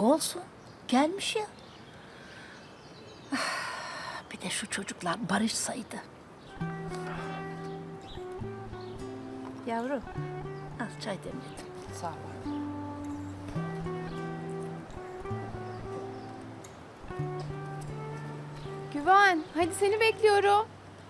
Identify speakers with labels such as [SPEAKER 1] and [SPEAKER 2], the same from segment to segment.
[SPEAKER 1] Olsun. Gelmiş ya. Bir de şu çocuklar barışsaydı. Yavrum, al çay demledim.
[SPEAKER 2] Sağ ol.
[SPEAKER 3] Güven, hadi seni bekliyorum.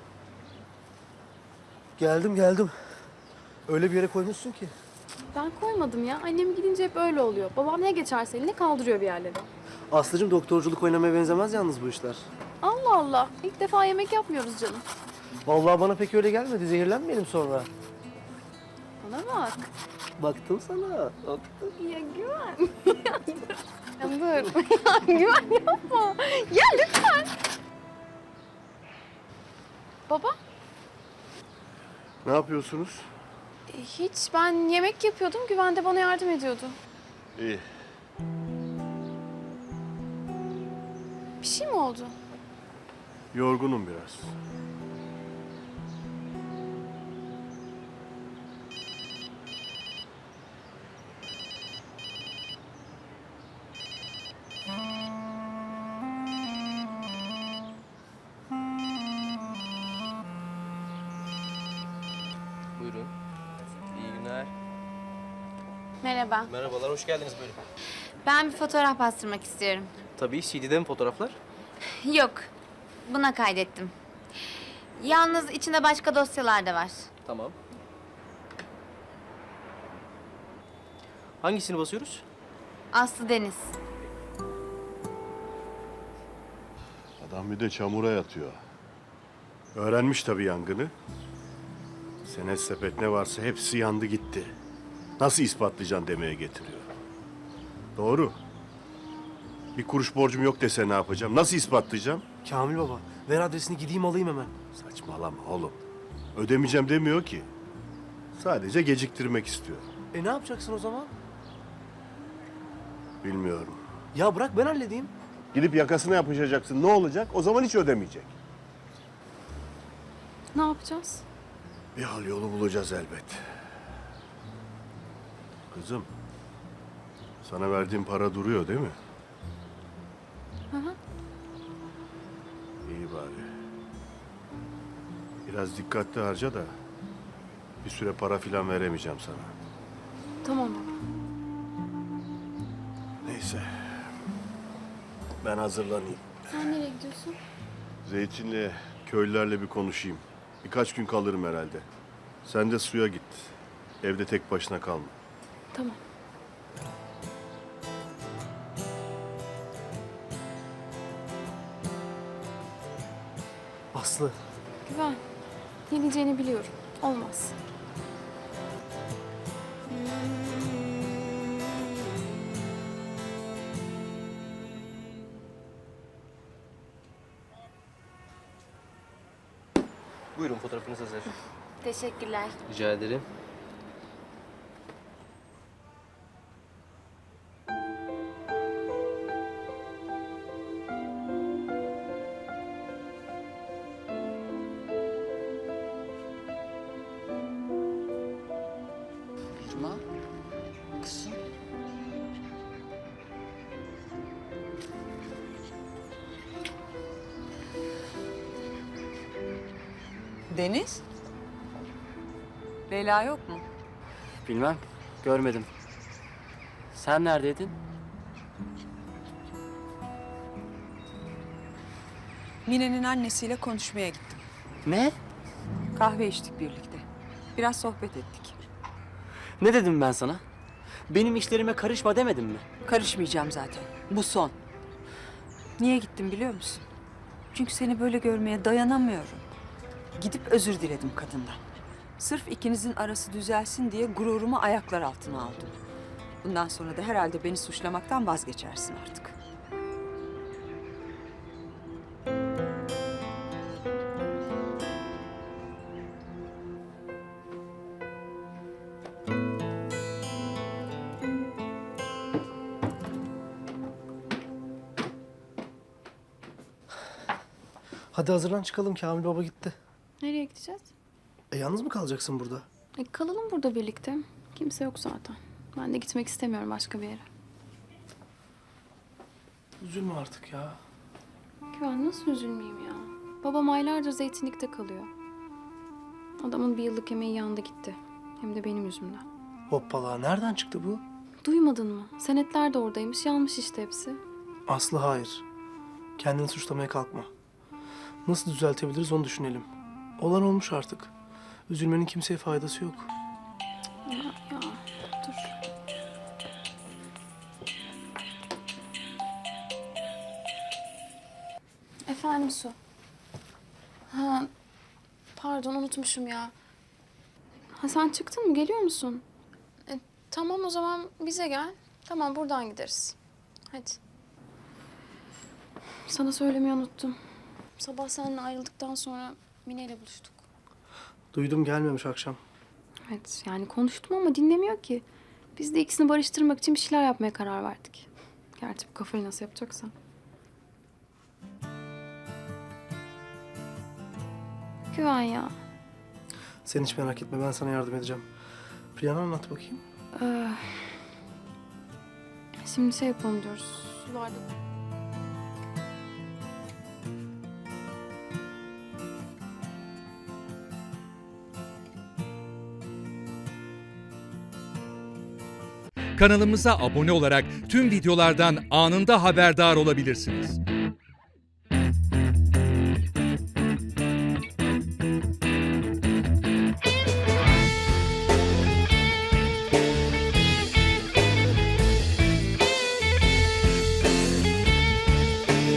[SPEAKER 4] Geldim. Öyle bir yere koymuşsun ki.
[SPEAKER 3] Ben koymadım ya. Annem gidince hep öyle oluyor. Babam ne geçerse eline kaldırıyor bir yerlere.
[SPEAKER 4] Aslıcığım doktorculuk oynamaya benzemez yalnız bu işler.
[SPEAKER 3] Allah Allah. İlk defa yemek yapmıyoruz canım.
[SPEAKER 4] Vallahi bana pek öyle gelmedi. Zehirlenmeyelim sonra.
[SPEAKER 3] Bana bak.
[SPEAKER 4] Baktım sana. Baktım.
[SPEAKER 3] Ya Güven. Ya dur. Ya Güven yapma. Ya lütfen. Baba?
[SPEAKER 5] Ne yapıyorsunuz?
[SPEAKER 3] Hiç. Ben yemek yapıyordum. Güven de bana yardım ediyordu.
[SPEAKER 5] İyi.
[SPEAKER 3] Bir şey mi oldu?
[SPEAKER 5] Yorgunum biraz.
[SPEAKER 6] Buyurun. İyi günler.
[SPEAKER 7] Merhaba.
[SPEAKER 6] Merhabalar, hoş geldiniz buyurun.
[SPEAKER 7] Ben bir fotoğraf bastırmak istiyorum.
[SPEAKER 6] Tabii, CD'de mi fotoğraflar?
[SPEAKER 7] Yok, buna kaydettim. Yalnız içinde başka dosyalar da var.
[SPEAKER 6] Tamam. Hangisini basıyoruz?
[SPEAKER 7] Aslı Deniz.
[SPEAKER 5] Adam bir de çamura yatıyor. Öğrenmiş tabii yangını. Senet sepet ne varsa hepsi yandı gitti. Nasıl ispatlayacaksın demeye getiriyor. Doğru. Bir kuruş borcum yok dese ne yapacağım? Nasıl ispatlayacağım?
[SPEAKER 4] Kamil baba, ver adresini gideyim alayım hemen.
[SPEAKER 5] Saçmalama oğlum. Ödemeyeceğim demiyor ki. Sadece geciktirmek istiyor.
[SPEAKER 4] Ne yapacaksın o zaman?
[SPEAKER 5] Bilmiyorum.
[SPEAKER 4] Ya bırak ben halledeyim.
[SPEAKER 5] Gidip yakasına yapışacaksın. Ne olacak? O zaman hiç ödemeyecek.
[SPEAKER 3] Ne yapacağız?
[SPEAKER 5] Bir hal yolu bulacağız elbet. Kızım, sana verdiğim para duruyor değil mi?
[SPEAKER 3] Hı hı.
[SPEAKER 5] İyi bari. Biraz dikkatli harca da bir süre para filan veremeyeceğim sana.
[SPEAKER 3] Tamam baba.
[SPEAKER 5] Neyse. Ben hazırlanayım.
[SPEAKER 3] Sen nereye gidiyorsun?
[SPEAKER 5] Zeytinli köylülerle bir konuşayım. Birkaç gün kalırım herhalde. Sen de suya git. Evde tek başına kalma.
[SPEAKER 3] Tamam.
[SPEAKER 4] Aslı,
[SPEAKER 3] Güven. Ne diyeceğini biliyorum. Olmaz.
[SPEAKER 6] Buyurun, fotoğrafınız hazır.
[SPEAKER 7] Teşekkürler.
[SPEAKER 6] Rica ederim.
[SPEAKER 2] Irma, kızım. Deniz? Leyla yok mu?
[SPEAKER 8] Bilmem, görmedim. Sen neredeydin?
[SPEAKER 2] Mine'nin annesiyle konuşmaya gittim.
[SPEAKER 8] Ne?
[SPEAKER 2] Kahve içtik birlikte. Biraz sohbet ettik.
[SPEAKER 8] Ne dedim ben sana? Benim işlerime karışma demedim mi?
[SPEAKER 2] Karışmayacağım zaten. Bu son. Niye gittim biliyor musun? Çünkü seni böyle görmeye dayanamıyorum. Gidip özür diledim kadından. Sırf ikinizin arası düzelsin diye gururumu ayaklar altına aldım. Bundan sonra da herhalde beni suçlamaktan vazgeçersin artık.
[SPEAKER 4] hadi hazırlan çıkalım. Kamil baba gitti.
[SPEAKER 3] Nereye gideceğiz?
[SPEAKER 4] Yalnız mı kalacaksın burada?
[SPEAKER 3] Kalalım burada birlikte. Kimse yok zaten. Ben de gitmek istemiyorum başka bir yere.
[SPEAKER 9] Üzülme artık ya.
[SPEAKER 3] Güven nasıl üzülmeyeyim ya? Babam aylardır zeytinlikte kalıyor. Adamın bir yıllık emeği yanında gitti. Hem de benim yüzümden.
[SPEAKER 9] Hoppala, nereden çıktı bu?
[SPEAKER 3] Duymadın mı? Senetler de oradaymış. Yanmış işte hepsi.
[SPEAKER 9] Aslı hayır. Kendini suçlamaya kalkma. Nasıl düzeltebiliriz onu düşünelim. Olan olmuş artık. Üzülmenin kimseye faydası yok.
[SPEAKER 3] Ya dur. Efendim Su. Ha, pardon unutmuşum ya. Ha, sen çıktın mı? Geliyor musun? Tamam o zaman bize gel. Tamam buradan gideriz. Hadi. Sana söylemeyi unuttum. Sabah seninle ayrıldıktan sonra Mine ile buluştuk.
[SPEAKER 9] Duydum gelmemiş akşam.
[SPEAKER 3] Evet yani konuştum ama dinlemiyor ki. Biz de ikisini barıştırmak için bir şeyler yapmaya karar verdik. Gerçi bu kafayı nasıl yapacaksan. Güven ya.
[SPEAKER 9] Sen hiç merak etme ben sana yardım edeceğim. Planı anlat bakayım.
[SPEAKER 3] Şimdi şey yapalım diyoruz. Sularda...
[SPEAKER 10] Kanalımıza abone olarak tüm videolardan anında haberdar olabilirsiniz.